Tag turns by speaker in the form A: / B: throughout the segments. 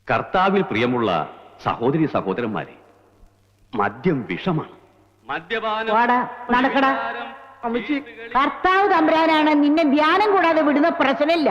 A: കർത്താവിൽ പ്രിയമുള്ള സഹോദരി സഹോദരന്മാരെ, മദ്യം വിഷമാണ്.
B: നടക്കടാ. കർത്താവ് തമ്പുരാനാണ്, നിന്നെ ധ്യാനം കൂടാതെ വിടുന്ന പ്രശ്നമില്ല.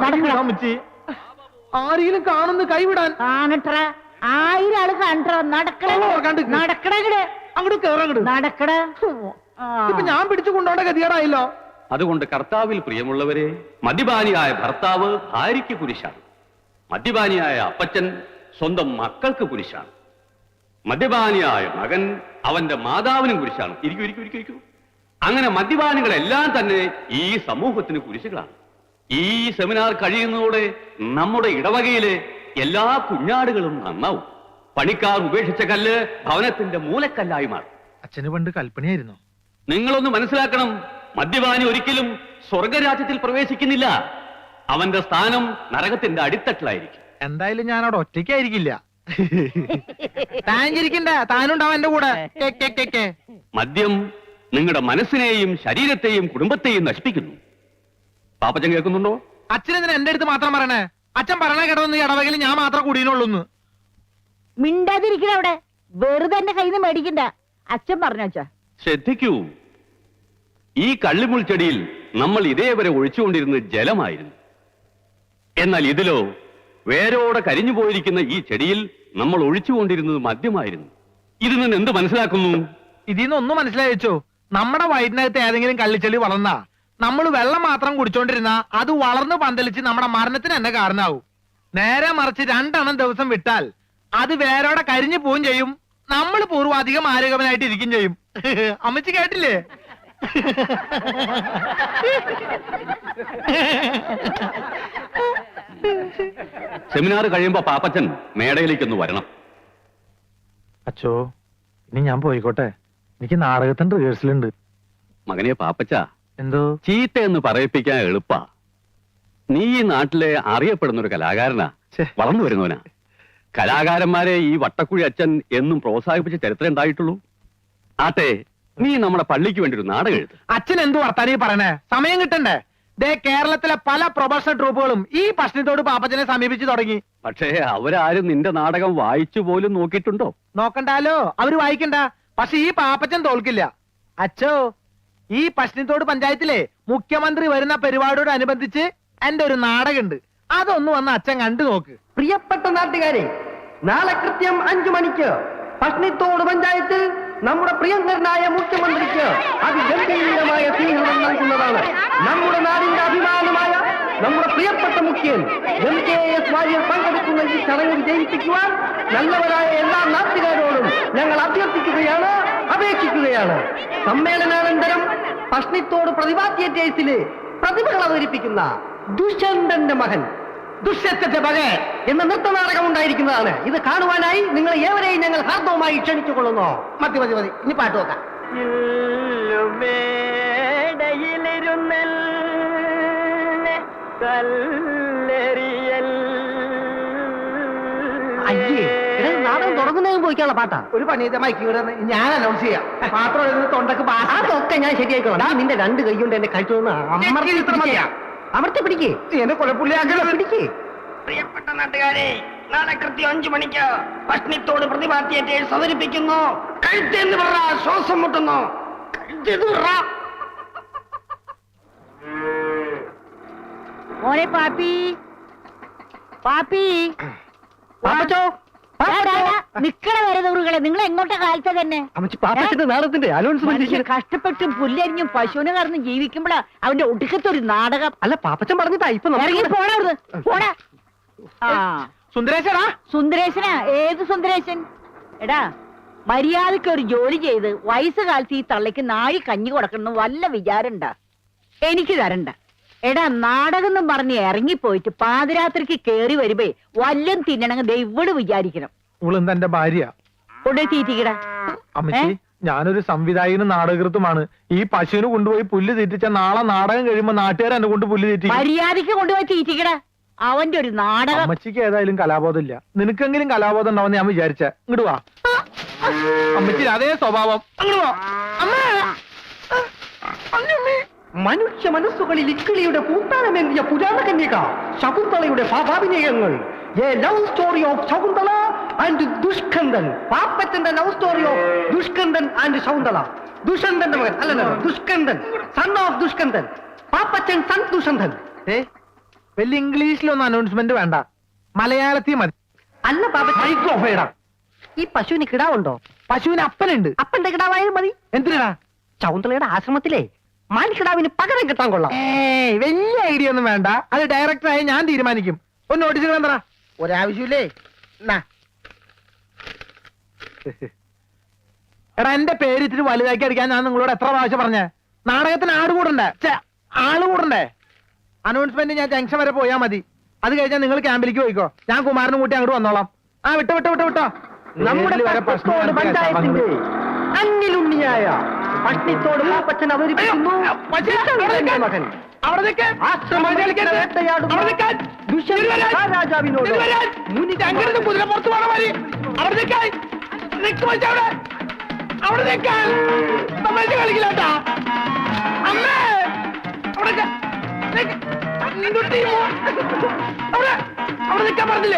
C: ആരെങ്കിലും കാണുന്ന കൈവിടാൻ
B: കാണട്ര, 1000 ആള് കണ്ടോ. നടക്കട
C: അങ്ങോട്ട് കേറങ്ങട്
B: നടക്കട.
C: ഇപ്പൊ ഞാൻ പിടിച്ചു കൊണ്ടോണ്ട ഗതികേടായില്ലോ.
A: അതുകൊണ്ട് കർത്താവിൽ പ്രിയമുള്ളവരെ, മദ്യപാനിയായ ഭർത്താവ് ഭാര്യയ്ക്ക് കുരിശാണ്. മദ്യപാനിയായ അപ്പച്ചൻ സ്വന്തം മക്കൾക്ക് കുരിശാണ്. മദ്യപാനിയായ മകൻ അവന്റെ മാതാവിനും കുരിശാണ്. ഇരിക്കൂ. അങ്ങനെ മദ്യപാനികളെല്ലാം തന്നെ ഈ സമൂഹത്തിന് കുരിശുകളാണ്. ഈ സെമിനാർ കഴിയുന്നതോടെ നമ്മുടെ ഇടവകയിലെ എല്ലാ കുഞ്ഞാടുകളും നന്നാവും. പണിക്കാർ ഉപേക്ഷിച്ച കല്ല് ഭവനത്തിന്റെ മൂലക്കല്ലായി മാറും.
C: അച്ഛന് പണ്ട് കൽപ്പനയായിരുന്നു.
A: നിങ്ങളൊന്ന് മനസ്സിലാക്കണം, മദ്യപാനി ഒരിക്കലും സ്വർഗരാജ്യത്തിൽ പ്രവേശിക്കുന്നില്ല. അവന്റെ സ്ഥാനം നരകത്തിന്റെ അടിത്തട്ടിലായിരിക്കും.
C: എന്തായാലും ഞാൻ അവിടെ ഒറ്റയ്ക്കായിരിക്കില്ല. താനിരിക്കണ്ട, താനുണ്ടാവും എന്റെ കൂടെ.
A: മദ്യം നിങ്ങളുടെ മനസ്സിനെയും ശരീരത്തെയും കുടുംബത്തെയും നശിപ്പിക്കുന്നു. പാപ്പച്ചൻ കേൾക്കുന്നുണ്ടോ?
C: അച്ഛനെന്തിനാ എന്റെ അടുത്ത് മാത്രം പറയണേ? അച്ഛൻ പറയണ കേട്ടതൊന്നും ഈ ഇടവകയിൽ ഞാൻ മാത്രം കൂടിയുള്ളൂ.
B: മിണ്ടാതിരിക്കണ അവിടെ. വെറുതെ എന്റെ കയ്യിൽ നിന്ന് മേടിക്കണ്ട. അച്ഛൻ പറഞ്ഞാ
A: ശ്രദ്ധിക്കൂ. ഈ കള്ളിമുൾച്ചെടിയിൽ നമ്മൾ ഇതേവരെ ഒഴിച്ചുകൊണ്ടിരുന്നത് ജലമായിരുന്നു. എന്നാൽ ഇതിലോ വേരോടെ കരിഞ്ഞു പോയിരിക്കുന്ന ഈ ചെടിയിൽ നമ്മൾ ഒഴിച്ചുകൊണ്ടിരുന്നത് മദ്യമായിരുന്നു. ഇതിൽ നിന്ന് എന്ത് മനസ്സിലാക്കുന്നു?
C: ഇതിന്ന് ഒന്നും മനസ്സിലായിച്ചോ? നമ്മുടെ വയറ്റിനകത്ത് ഏതെങ്കിലും കള്ളിച്ചെടി വളർന്നാ നമ്മൾ വെള്ളം മാത്രം കുടിച്ചോണ്ടിരുന്ന അത് വളർന്ന് പന്തലിച്ച് നമ്മുടെ മരണത്തിന് തന്നെ കാരണമാവും. നേരെ മറിച്ച് 2 എണ്ണം ദിവസം വിട്ടാൽ അത് വേരോടെ കരിഞ്ഞു പോവുകയും ചെയ്യും. നമ്മൾ പൂർവാധികം ആരോഗ്യവനായിട്ട് ഇരിക്കും ചെയ്യും. അമ്മച്ചി കേട്ടില്ലേ?
A: സെമിനാർ കഴിയുമ്പോ പാപ്പച്ചൻ മേടയിലേക്കൊന്ന് വരണം.
C: അച്ഛോ, ഇനി ഞാൻ പോയിക്കോട്ടെ. എനിക്ക് നാടകത്തിന്റെ റിഹേഴ്സലുണ്ട്.
A: മകനെ പാപ്പച്ച,
C: എന്തോ
A: ചീത്ത എന്ന് പറയിപ്പിക്കാൻ എളുപ്പാ. നീ ഈ നാട്ടിലെ അറിയപ്പെടുന്ന ഒരു കലാകാരനാ, വളർന്നു വരുന്നവനാ. കലാകാരന്മാരെ ഈ വട്ടക്കുഴി അച്ഛൻ എന്നും പ്രോത്സാഹിപ്പിച്ച ചരിത്രം ഉണ്ടായിട്ടുള്ളൂ. ആട്ടെ, നീ നമ്മുടെ പള്ളിക്ക് വേണ്ടി ഒരു നാടകം എഴുതും.
C: അച്ഛൻ എന്തു വർത്താനീ പറയണേ? സമയം കിട്ടണ്ടേ? ദേ, കേരളത്തിലെ പല പ്രൊഫഷണൽ ട്രൂപ്പുകളും ഈ പ്രശ്നത്തോട് പാപ്പച്ചനെ സമീപിച്ചു തുടങ്ങി.
A: പക്ഷേ അവരാരും നിന്റെ നാടകം വായിച്ചു പോലും നോക്കിയിട്ടുണ്ടോ?
C: നോക്കണ്ടാലോ, അവര് വായിക്കണ്ട. പക്ഷെ ഈ പാപ്പച്ചൻ തോൽക്കില്ല. അച്ഛോ, ഈ പശ്ചിമത്തോട് പഞ്ചായത്തിലെ മുഖ്യമന്ത്രി വരുന്ന പരിപാടിയോടനുബന്ധിച്ച് എന്റെ ഒരു നാടകമുണ്ട്. അതൊന്ന് വന്ന് അച്ഛൻ കണ്ടു നോക്ക്.
D: പ്രിയപ്പെട്ട നാട്ടുകാരെ, നാളെ കൃത്യം 5 മണിക്ക് പശ്ചിമത്തോട് പഞ്ചായത്തിൽ നമ്മുടെ പ്രിയങ്കരനായ മുഖ്യമന്ത്രിക്ക് അതിഗംഭീരമായ സ്വീകരണം നൽകുന്നതാണ്. നമ്മുടെ നാടിന്റെ അഭിമാനമായ നമ്മുടെ പ്രിയപ്പെട്ട മുഖ്യൻ MKS വാര്യർ പങ്കെടുക്കുന്ന ഈ ചടങ്ങ് വിജയിപ്പിക്കുവാൻ നല്ലവരായ എല്ലാ നാട്ടുകാരോടും ഞങ്ങൾ അഭ്യർത്ഥിക്കുകയാണ്, അപേക്ഷിക്കുകയാണ്. സമ്മേളനാനന്തരം പശ്ചിമത്തോട് പ്രതിഭാ തിയേറ്റേഴ്സിലെ പ്രതിഭകൾ അവതരിപ്പിക്കുന്ന ദുഷ്യന്തന്റെ മകൻ ദുഷ്യത്തിന്റെ മകൻ എന്ന നൃത്തനാടകം ഉണ്ടായിരിക്കുന്നതാണ്. ഇത് കാണുവാനായി നിങ്ങൾ ഏവരെയും ഞങ്ങൾ ഹാർദവുമായി ക്ഷണിച്ചുകൊള്ളുന്നു. മതി, ഇനി പാട്ട് നോക്കാം. അയ്യേ, നാടകം തുടങ്ങുന്നതിന് പോയിക്കാനുള്ള പാട്ടാ.
C: ഒരു പണിയത്തെ മൈക്കിവിടെ ഞാൻ അനൗൺസ് ചെയ്യാം. മാത്രം തൊണ്ടക്ക്
D: അതൊക്കെ ഞാൻ ശരിയായിക്കോളാം. നിന്റെ 2 കൈ കൊണ്ട് എന്നെ കഴിച്ചു അമർത്തി പിടിക്കേ,
C: എന്നെ കൊലപ്പുള്ളിയാക്കല പിടിക്കേ.
D: പ്രിയപ്പെട്ട നാട്ടുകാരെ, നാളെ കൃത്യം 5 മണിക്ക് പശ്ചിമത്തോട് പ്രതിഭാ തിയേറ്റേഴ്സ് അവതരിപ്പിക്കുന്നു. കഴുത്തെന്ന് പറ, ശ്വാസം മുട്ടുന്നു.
B: മോനെ പാപ്പി, നിക്കണ വരെ ദൂറുകളെ, നിങ്ങൾ എങ്ങോട്ടെ കാലത്തെ തന്നെ
D: നാടകത്തിന്റെ അനൗൺസ്മെന്റ്.
B: കഷ്ടപ്പെട്ടും പുല്ലരിഞ്ഞും പശുവിനെ കറന്ന് ജീവിക്കുമ്പോഴാ അവന്റെ ഒടുക്കത്തെ ഒരു നാടകം.
D: അല്ല, പാപ്പച്ചൻ പറഞ്ഞിട്ടാ ഇപ്പൊ
B: ഇറങ്ങി പോണവിടുന്ന്, പോടാ.
C: സുന്ദരേശനാ?
B: സുന്ദരേശനാ? ഏത് സുന്ദരേശൻ? എടാ, മര്യാദക്ക് ഒരു ജോലി ചെയ്ത് വയസ്സുകാലത്ത് ഈ തള്ളയ്ക്ക് നാഴി കഞ്ഞി കൊടുക്കണം വല്ല വിചാരണ്ട. എനിക്ക് തരണ്ട. എടാ, നാടകം എന്നും പറഞ്ഞ് ഇറങ്ങിപ്പോയിട്ട് പാതിരാത്രിക്ക് കേറി വരുമ്പേ വല്ലം തിന്നണമെങ്കിൽ ദൈവട് വിചാരിക്കണം.
C: എന്റെ ഭാര്യ
B: കൊണ്ടേ തീറ്റിക്കടാ.
C: അമ്മച്ചി, ഞാനൊരു സംവിധായകനും നാടകൃത്തുമാണ്. ഈ പശുവിന് കൊണ്ടുപോയി പുല്ല് തീറ്റിച്ച നാളെ നാടകം കഴിയുമ്പോ നാട്ടുകാർ എന്നെ കൊണ്ട് പുല്ല് തീറ്റി.
B: മര്യാദക്ക് കൊണ്ടുപോയി തീറ്റിക്കടാ. അവന്റെ ഒരു നാടകം.
C: അമ്മച്ചിക്ക് ഏതായാലും കലാബോധം ഇല്ല. നിനക്കെങ്കിലും കലാബോധം ഉണ്ടാവുന്ന ഞാൻ വിചാരിച്ച. ഇങ്ങോട്ട് വാ അമ്മച്ചി, അതേ സ്വഭാവം. അങ്ങോട്ട് വാ.
D: മനുഷ്യ മനസ്സുകളിൽ ഇക്കിളിയുടെ പൂത്താനമേന്തിയ പുരാണ കന്യക ശകുന്തളയുടെ ഭാവാഭിനയങ്ങൾ A love story of Shakuntala and Dushkandan. പാപ്പച്ചന്റെ love story of Dushkandan and Shakuntala. ദുഷന്തന്റെ മകൻ അല്ലല്ലോ, Dushkandan, son of Dushkandan. Pappachan son Dushanthan.
C: വലിയ ഇംഗ്ലീഷിലൊന്നും അനൗൺസ്മെന്റ് വേണ്ട, മലയാളത്തിൽ മതി.
D: അല്ല പാപ്പച്ചൻ,
C: മൈക്രോഫേടാ.
D: ഈ പശുവിന് കിടാവുണ്ടോ?
C: പശുവിന് അപ്പനുണ്ട്.
D: അപ്പന്റെ കിടാവായാലും മതി.
C: എന്തിനാ?
D: ശകുന്തളയുടെ ആശ്രമത്തിലെ മാൻകിടാവിന് പകരം കിട്ടാൻ കൊള്ളാം.
C: വലിയ ഐഡിയ ഒന്നും വേണ്ട, അത് ഡയറക്ടറായി ഞാൻ തീരുമാനിക്കും. ഒന്ന് നോട്ടീസ് വേണ്ട, ഒരാവശ്യമില്ലേ. എടാ, എന്റെ പേര് ഇത്തിരി വലുതാക്കി അടിക്കാൻ ഞാൻ നിങ്ങളോട് എത്ര പ്രാവശ്യം പറഞ്ഞേ? നാടകത്തിന് ആള് കൂടണ്ടേ? അനൗൺസ്മെന്റ് ഞാൻ ജംഗ്ഷൻ വരെ പോയാൽ മതി. അത് കഴിഞ്ഞാൽ നിങ്ങൾ ക്യാമ്പിലേക്ക് പോയിക്കോ, ഞാൻ കുമാരനും കൂട്ടി അങ്ങോട്ട് വന്നോളാം. വിട്ടോ.
D: നമ്മുടെ പട്ടത്തോട് പഞ്ചായത്തിന്റെ അന്നിലുണ്ണിയായ പട്ടിത്തോട് പാപ്പച്ചൻ അവതരിപ്പിക്കുന്നു ദുഷ്യന്തന്റെ മകൻ. ആശ്രമത്തിൽ വേട്ടയാടുന്ന രാജാവിനോട്
C: പുറത്തു പോണ മതി. കളിക്കില്ലാട്ടാ അമ്മേ. അവിടെ നിൽക്കാൻ പറഞ്ഞില്ലേ?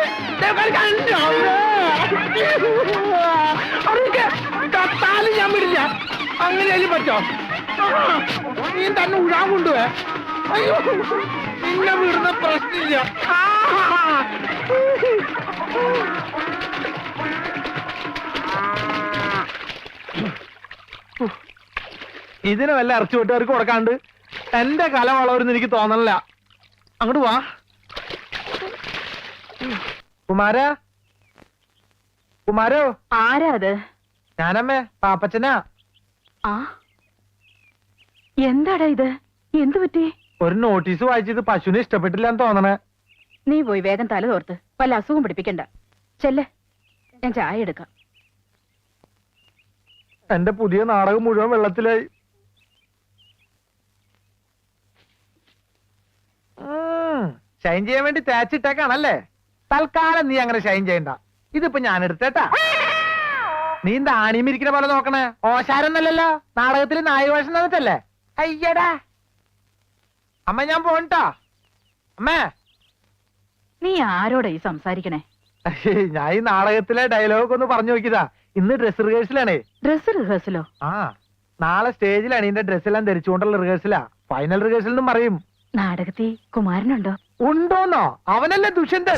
C: കത്താലും ഞാൻ വിടില്ല. അങ്ങനെയാലും പറ്റോ? നീ തന്നെ ഉഴാൻ കൊണ്ടുപോയെ. അയ്യോ, നിന്നെ വിടുന്ന പ്രശ്നമില്ല. ഇതിന് വല്ല ഇറച്ചി വെട്ടുകാർക്ക് കൊടുക്കാണ്ട് എന്റെ കല വളവരെന്ന് എനിക്ക് തോന്നണില്ല. അങ്ങോട്ട് വാ കുമാരോ.
B: ആരാ അത്?
C: ഞാനമ്മേ, പാപ്പച്ചനാ.
B: ആ, എന്താടാ ഇത്? എന്തു പറ്റി?
C: ഒരു നോട്ടീസ് വായിച്ചത് പശുവിനെ ഇഷ്ടപ്പെട്ടില്ല എന്ന് തോന്നണേ.
B: നീ പോയി വേഗം തല തോർത്ത് വല്ല അസുഖം പിടിപ്പിക്കണ്ട. ചെല്ലേ, ഞാൻ ചായ എടുക്കാം.
C: എന്റെ പുതിയ നാടകം മുഴുവൻ വെള്ളത്തിലായി. ഷൈൻ ചെയ്യാൻ വേണ്ടി തേച്ചിട്ടേക്കാണല്ലേ? തൽക്കാലം നീ അങ്ങനെ ഷൈൻ ചെയ്യണ്ട. ഇതിപ്പോ ഞാൻ എടുത്തേട്ടാ. നീ എന്താ ആണിമിരിക്കുന്ന പോലെ നോക്കണേ? ഓശാരൊന്നല്ലല്ലോ, നാടകത്തിൽ നായവേഷം തന്നിട്ടല്ലേ? അയ്യടാ അമ്മ, ഞാൻ പോണ്ടാ. അമ്മേ,
B: നീ ആരോടാ ഈ സംസാരിക്കണേ?
C: ഞാൻ ഈ നാടകത്തിലെ ഡയലോഗ് ഒന്ന് പറഞ്ഞു നോക്കിയതാ. ഇന്ന് ഡ്രസ് റിഹേഴ്സലാണേ.
B: ഡ്രസ് റിഹേഴ്സലോ?
C: ആ, നാളെ സ്റ്റേജിലാണ് ഇതിന്റെ ഡ്രസ്സെല്ലാം ധരിച്ചുകൊണ്ടുള്ള റിഹേഴ്സലാ. ഫൈനൽ റിഹേഴ്സൽ എന്നും പറയും.
B: നാടകത്തിൽ കുമാരനുണ്ടോ?
C: ഉണ്ടോന്നോ? അവനല്ലേ Dushyanthan.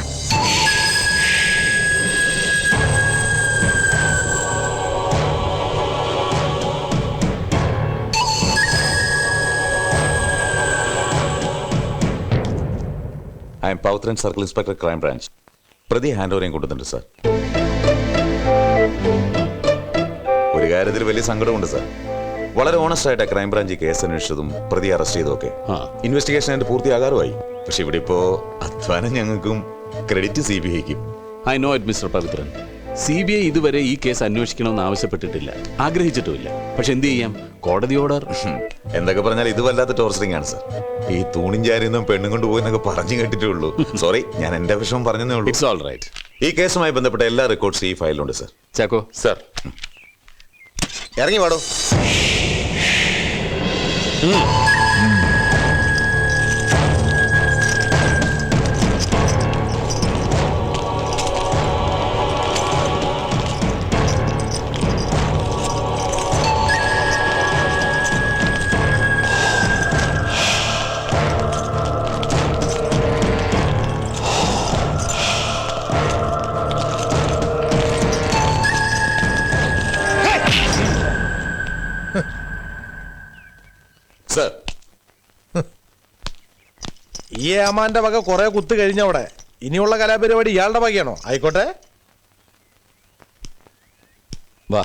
E: I am Pavithran circle inspector crime branch. പ്രതി ഹാൻഡ് ഓവറിയും കൊണ്ടുവന്നിട്ടുണ്ട് സാർ. ഒരു കാര്യത്തിൽ വലിയ സങ്കടമുണ്ട് സാർ. വളരെ ഓണസ്റ്റ് ആയിട്ട് ക്രൈംബ്രാഞ്ച് കേസ് അന്വേഷിച്ചതും പ്രതി അറസ്റ്റ് ചെയ്തൊക്കെ ഇൻവെസ്റ്റിഗേഷൻ ആയിട്ട് പൂർത്തിയാകാറുമായി. പക്ഷെ ഇവിടെ ഇപ്പോ അധ്വാനം ഞങ്ങൾക്കും ക്രെഡിറ്റ് CBIക്കും.
F: I know it mister Pavithran. CBI ഇതുവരെ ഈ കേസ് അന്വേഷിക്കണമെന്ന് ആവശ്യപ്പെട്ടിട്ടില്ല, ആഗ്രഹിച്ചിട്ടുമില്ല. പക്ഷെ എന്ത് ചെയ്യാം, കോടതി ഓർഡർ.
E: എന്തൊക്കെ പറഞ്ഞാൽ ഇത് വല്ലാത്ത ടോർച്ചറിംഗ് ആണ് സാർ. ഈ തൂണിൻ ചാരിയൊന്നും പെണ്ണും കൊണ്ടുപോയി എന്നൊക്കെ പറഞ്ഞു കേട്ടിട്ടേ ഉള്ളൂ. സോറി, ഞാൻ എന്റെ വിഷമം പറഞ്ഞതേ ഉള്ളൂ.
F: It's all right.
E: ഈ കേസുമായി ബന്ധപ്പെട്ട എല്ലാ റെക്കോർഡ്സ് ഈ ഫയലിലുണ്ട് സാർ.
F: ചാക്കോ
E: സാർ ഇറങ്ങി വാടോ. സാർ,
G: ഈ ഏമാന്റെ വക കുറെ കുത്ത് കഴിഞ്ഞവിടെ. ഇനിയുള്ള കലാപരിപാടി ഇയാളുടെ വകയാണോ? ആയിക്കോട്ടെ,
F: വാ.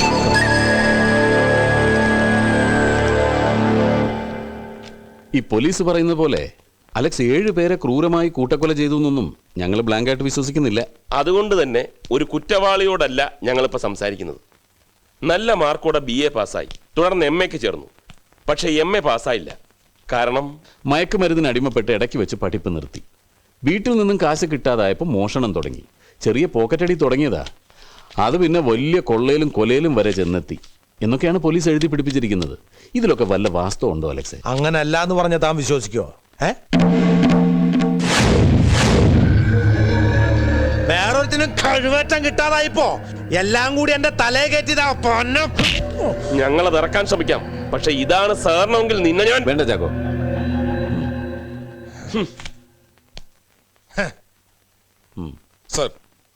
F: ഈ പോലീസ് പറയുന്ന പോലെ അലക്സ് 7 പേരെ ക്രൂരമായി കൂട്ടക്കൊല ചെയ്തു എന്നൊന്നും ഞങ്ങൾ ബ്ലാങ്കായിട്ട് വിശ്വസിക്കുന്നില്ല.
H: അതുകൊണ്ട് തന്നെ ഒരു കുറ്റവാളിയോടല്ല ഞങ്ങളിപ്പോൾ സംസാരിക്കുന്നത്. നല്ല മാർക്കോടെ BA പാസ്സായി, തുടർന്ന് MAക്ക് ചേർന്നു. പക്ഷെ MA പാസ്സായില്ല. കാരണം
F: മയക്കുമരുന്നിന് അടിമപ്പെട്ട് ഇടയ്ക്ക് വെച്ച് പഠിപ്പ് നിർത്തി. വീട്ടിൽ നിന്നും കാശ് കിട്ടാതായപ്പോൾ മോഷണം തുടങ്ങി. ചെറിയ പോക്കറ്റടി തുടങ്ങിയതാ, അത് പിന്നെ വലിയ കൊള്ളയിലും കൊലയിലും വരെ ചെന്നെത്തി എന്നൊക്കെയാണ് പോലീസ് എഴുതി പിടിപ്പിച്ചിരിക്കുന്നത്. ഇതിലൊക്കെ വല്ല വാസ്തവം ഉണ്ടോ അലക്സേ?
G: അങ്ങനെ അല്ല എന്ന് പറഞ്ഞ താൻ വിശ്വസിക്കോ? വേറൊരുത്തിനും കഴിവേറ്റം കിട്ടാതായിപ്പോ എല്ലാം കൂടി എന്റെ തലയെ കയറ്റിയതാ പൊന്ന.
H: ഞങ്ങളത് ഇറക്കാൻ ശ്രമിക്കാം, പക്ഷെ ഇതാണ് സാറിനെങ്കിൽ നിന്നെ ഞാൻ
F: വേണ്ട ചാക്കോ.
E: സർ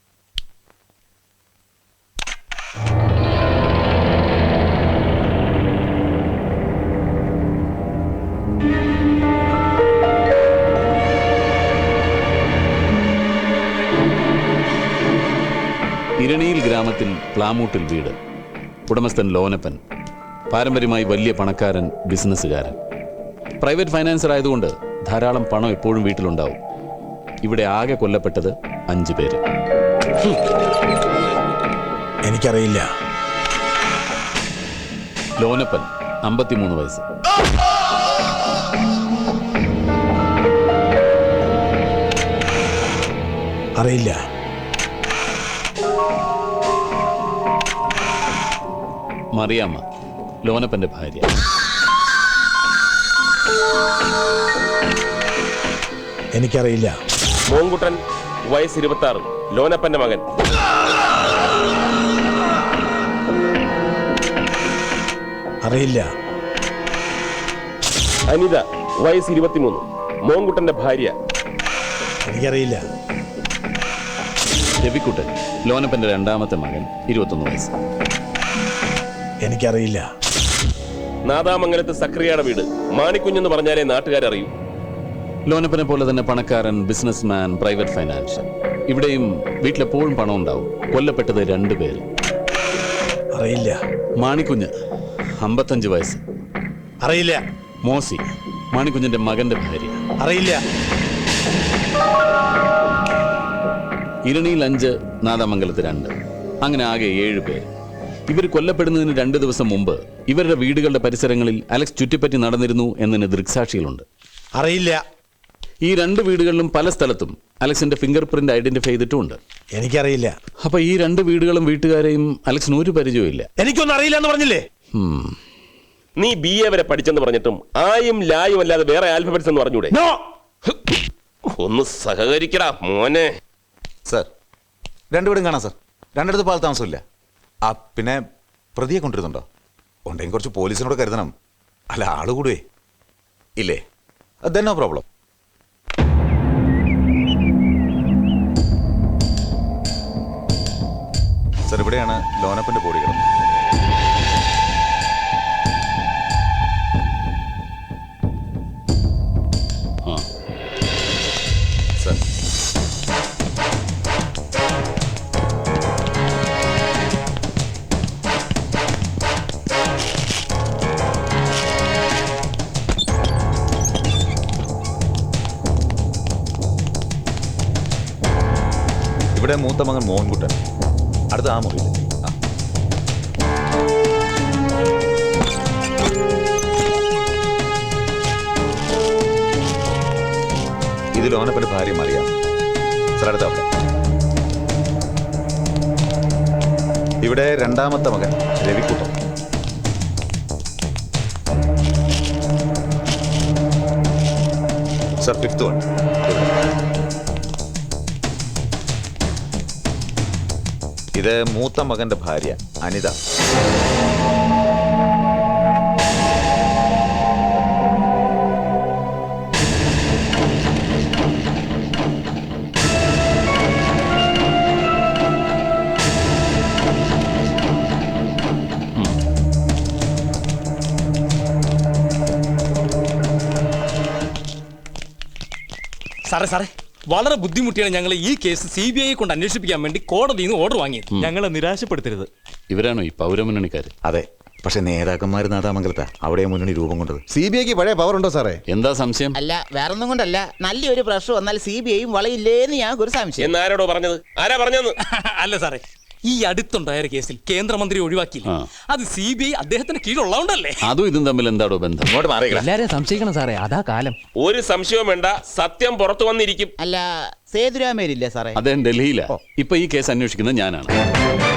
F: ഇരണിയിൽ ഗ്രാമത്തിൽ പ്ലാമൂട്ടിൽ വീട്. ഉടമസ്ഥൻ ലോനപ്പൻ. പാരമ്പര്യമായി വലിയ പണക്കാരൻ, ബിസിനസ്സുകാരൻ. പ്രൈവറ്റ് ഫൈനാൻസർ ആയതുകൊണ്ട് ധാരാളം പണം എപ്പോഴും വീട്ടിലുണ്ടാവും. ഇവിടെ ആകെ കൊല്ലപ്പെട്ടത് 5 പേര്.
G: എനിക്കറിയില്ല.
F: ലോനപ്പൻ 53 വയസ്സ്.
G: അറിയില്ല.
F: മറിയാമ്മ, ലോനപ്പന്റെ ഭാര്യ.
G: എനിക്കറിയില്ല.
H: മോങ്കുട്ടൻ, വയസ്സ് 26, ലോനപ്പന്റെ മകൻ.
G: അറിയില്ല.
H: അനിത, വയസ്സ് 23, മോങ്കുട്ടന്റെ ഭാര്യ.
G: എനിക്കറിയില്ല.
F: രവിക്കുട്ടൻ, ലോനപ്പന്റെ 2ാമത്തെ മകൻ, 21 വയസ്സ്.
G: എനിക്കറിയില്ല.
H: നാദാമംഗലത്ത് സക്രിയയുടെ വീട്. മാണിക്കുഞ്ഞെന്ന് പറഞ്ഞാലേ നാട്ടുകാരറിയൂ.
F: ലോനപ്പനെ പോലെ തന്നെ പണക്കാരൻ, ബിസിനസ്മാൻ, പ്രൈവറ്റ് ഫൈനാൻഷ്യൽ. ഇവിടെയും വീട്ടിലെപ്പോഴും പണം ഉണ്ടാവും. കൊല്ലപ്പെട്ടത് 2 പേര്.
G: അറിയില്ല.
F: മാണിക്കുഞ്ഞ്, 55 വയസ്സ്.
G: അറിയില്ല.
F: മോസി, മാണിക്കുഞ്ഞിന്റെ മകന്റെ ഭാര്യ.
G: അറിയില്ല.
F: ഇരണിയിൽ 5, നാദാമംഗലത്ത് 2. അങ്ങനെ ആകെ 7 പേര്. ഇവർ കൊല്ലപ്പെടുന്നതിന് 2 ദിവസം മുമ്പ് ഇവരുടെ വീടുകളുടെ പരിസരങ്ങളിൽ അലക്സ് ചുറ്റിപ്പറ്റി നടന്നിരുന്നു എന്നതിന് ദൃക്സാക്ഷികളുണ്ട്.
G: അറിയില്ല.
F: ഈ 2 വീടുകളിലും പല സ്ഥലത്തും അലക്സിന്റെ ഫിംഗർ പ്രിന്റ് ഐഡന്റിഫൈ ചെയ്തിട്ടുമുണ്ട്.
G: എനിക്കറിയില്ല.
F: അപ്പൊ ഈ 2 വീടുകളും വീട്ടുകാരെയും അലക്സിന് ഒരു പരിചയമില്ല.
G: എനിക്കൊന്നും അറിയില്ല എന്ന് പറഞ്ഞില്ലേ?
H: നീ BA വരെ പഠിച്ചെന്ന് പറഞ്ഞിട്ടും ആയും ലായും അല്ലാതെ വേറെ ആൽഫബറ്റ്സ് എന്ന് പറഞ്ഞൂടെ?
G: നോ.
H: ഒന്ന് സഹകരിക്കടാ മോനെ.
E: സർ, 2 വീടും കാണാം സർ. 2 പാൽ താമസമില്ല. ആ പിന്നെ പ്രതിയെ കൊണ്ടിരുന്നുണ്ടോ? ഉണ്ടെങ്കിൽ കുറച്ച് പോലീസിനോട് കരുതണം. അല്ല, ആള് കൂടുവേ ഇല്ലേ? Then no problem. സർ, ഇവിടെയാണ് ലോനപ്പന്റെ ബോഡി കിടന്നത്. സർ, ഇവിടെ മൂത്ത മകൻ മോഹൻകുട്ടൻ. അടുത്ത ആ മുറിയിൽ. ഇത് ലോനപ്പന്റെ ഭാര്യ മറിയാം. സർ, അടുത്ത അവിടെ. ഇവിടെ 2ാമത്തെ മകൻ രവിക്കുട്ടൻ. Sir, 5th one. ഇത് മൂത്ത മകന്റെ ഭാര്യ അനിത.
I: സാറേ വളരെ ബുദ്ധിമുട്ടിയാണ് ഞങ്ങൾ ഈ കേസ് CBI കൊണ്ട് അന്വേഷിപ്പിക്കാൻ വേണ്ടി കോടതിയിൽ നിന്ന് ഓർഡർ വാങ്ങിയത്. ഞങ്ങളെ നിരാശപ്പെടുത്തരുത്.
F: ഇവരാണോ ഈ പൗരമുന്നണിക്കാര്?
E: അതെ, പക്ഷെ നേതാക്കന്മാർ നാദാമംഗലത്താ. അവിടെ മുന്നണി രൂപം കൊണ്ടത്.
G: CBIക്ക് പഴയ പവർ ഉണ്ടോ സാറേ?
F: എന്താ സംശയം?
J: അല്ല, വേറൊന്നും കൊണ്ടല്ല. നല്ലൊരു പ്രശ്നം വന്നാൽ CBIയും വളയില്ലേന്ന് ഞങ്ങൾക്ക് ഒരു സംശയം.
H: എന്നാരോടോ പറഞ്ഞത്? ആരാ പറഞ്ഞത്?
I: അല്ല സാറേ, ഈ അടുത്തുണ്ടായ കേസിൽ കേന്ദ്രമന്ത്രി ഒഴിവാക്കിയില്ല. അത് CBI അദ്ദേഹത്തിന് കീഴുള്ളതുകൊണ്ടല്ലേ?
F: അതും ഇതും തമ്മിൽ എന്താടോ ബന്ധം?
E: ഇങ്ങോട്ട് മാറിയില്ല.
I: എല്ലാരെയും സംശയിക്കണം സാറേ, അതാ കാലം.
H: ഒരു സംശയവും വേണ്ട, സത്യം പുറത്തു വന്നിരിക്കും.
J: അല്ല, സേതുരാമേരില്ലേ സാറേ?
F: അദ്ദേഹം ഡൽഹിയിലാ. ഇപ്പൊ ഈ കേസ് അന്വേഷിക്കുന്നത് ഞാനാണ്.